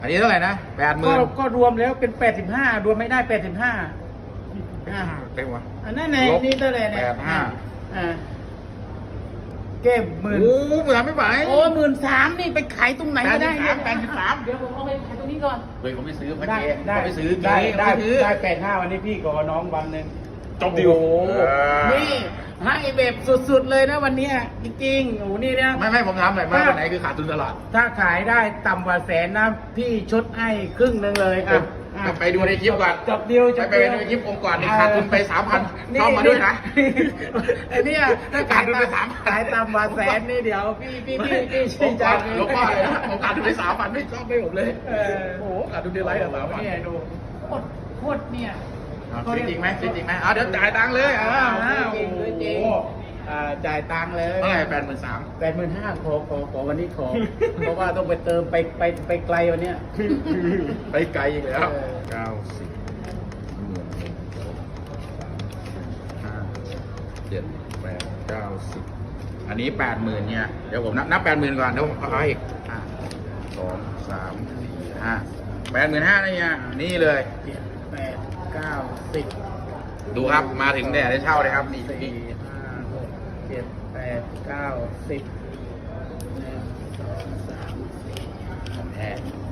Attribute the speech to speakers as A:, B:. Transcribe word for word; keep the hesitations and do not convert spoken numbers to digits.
A: อันนี้เท่าไหร่นะแปดหมื่
B: ก็
A: น
B: ก็รวมแล้วเป็นแปดสิบห้ารวมไม่ได้แปดสิบห้าอ่า
A: เต็มวะ
B: อันนั้นไง
A: ลบ
B: นี่เท่าไหร่เนี่ย
A: แปดห้า
B: อ่าเก็บหมื่น
A: โอ้เหมือนไม่ไหว
B: โอ้หมื่นสามนี่ไปขายตรงไหนก็ได้
A: แปดสิบสาม
B: เดี๋ยวผมเอาไปขายตรงนี้ก่อน
A: เฮ้ยเขาไม่ซื้อพระ
B: ได้
A: เจ
B: ได้
A: เขาไม่ซื้อ
B: ได้
A: เจ๊
B: ได้
A: เขาไม่ซื้อ
B: ได้แปดห้าวันนี้พี่กับน้องวันหนึ่ง
A: จบดีล
B: โอ้โห
A: เออ
B: นี่ให้แบบสุดๆเลยนะวันเนี้ยจริงๆโอ้โหนี่เนี่ย
A: ไม่ไม่ผมถามหน่อยว่าวันไหนคือขาดทุนตลอด
B: ถ้าขายได้ต่ำกว่าแสนนะพี่ชดให้ครึ่งหนึ่งเลยอ่ะอ่ะ
A: ไปดูในคลิปก่อน
B: จบเดียวจ
A: ไป
B: บ
A: ไป
B: เดียว
A: ดูในคลิปองค์ก่อนนี่ขาดทุนไปสามพันเข้ามาด้วยนะ
B: ไอ้เนี่ยถ้า
A: ขาดทุนไปสาม
B: ขายต่ำกว่าแสนนี่เดี๋ยวพี่พี่พี่พี่
A: ผ
B: ชื่
A: ม
B: นใจ
A: ก่อนหลวงพ่อเลยนะผมขาดทุนไปสามพันไม่ชอบไม่ผมเลย
B: เออ
A: โอ้โหขาดทุนเดือนไรอะสามพัน
B: เนี่ยดูโคตรโคตรเนี่ย
A: ซื้อจริงไหมซื้อจริงไหมเอาเดี๋ยวจ่ายตังค์เลย
B: อ่า
A: อ้าว
B: อ่า
A: โอ้
B: จริง
A: โห
B: จริงอ่าจ่ายตังค์เลย
A: เท่าไหร่แปดหมื่นสาม
B: แปดหมื่นห้าขอขอขอวันนี้ขอ เพราะว่าต้องไปเติมไปไปไปไกลวันเนี้ย
A: ไปไกลอีกแล้ว
B: เออ
A: เก้าสิบหมื่นห้าเจ็ดแปดเก้าสิบอันนี้แปดหมื่นเนี่ยเดี๋ยวผมนับนับแปดหมื่นก่อนเดี๋ยวผมเอาอีกอ่ะสองสามสี่ห้าแปดหมื่นห้านะเนี่ยนี่เลย
B: เจ็ดแปดเก้าสิบ
A: ดูครับมาถึงเนี่ยได้เช่าเลยครับนี่
B: สี่ห้าหกเจ็ดแปดเก้าสิบหนึ่งสองสามสี่
A: ของแท้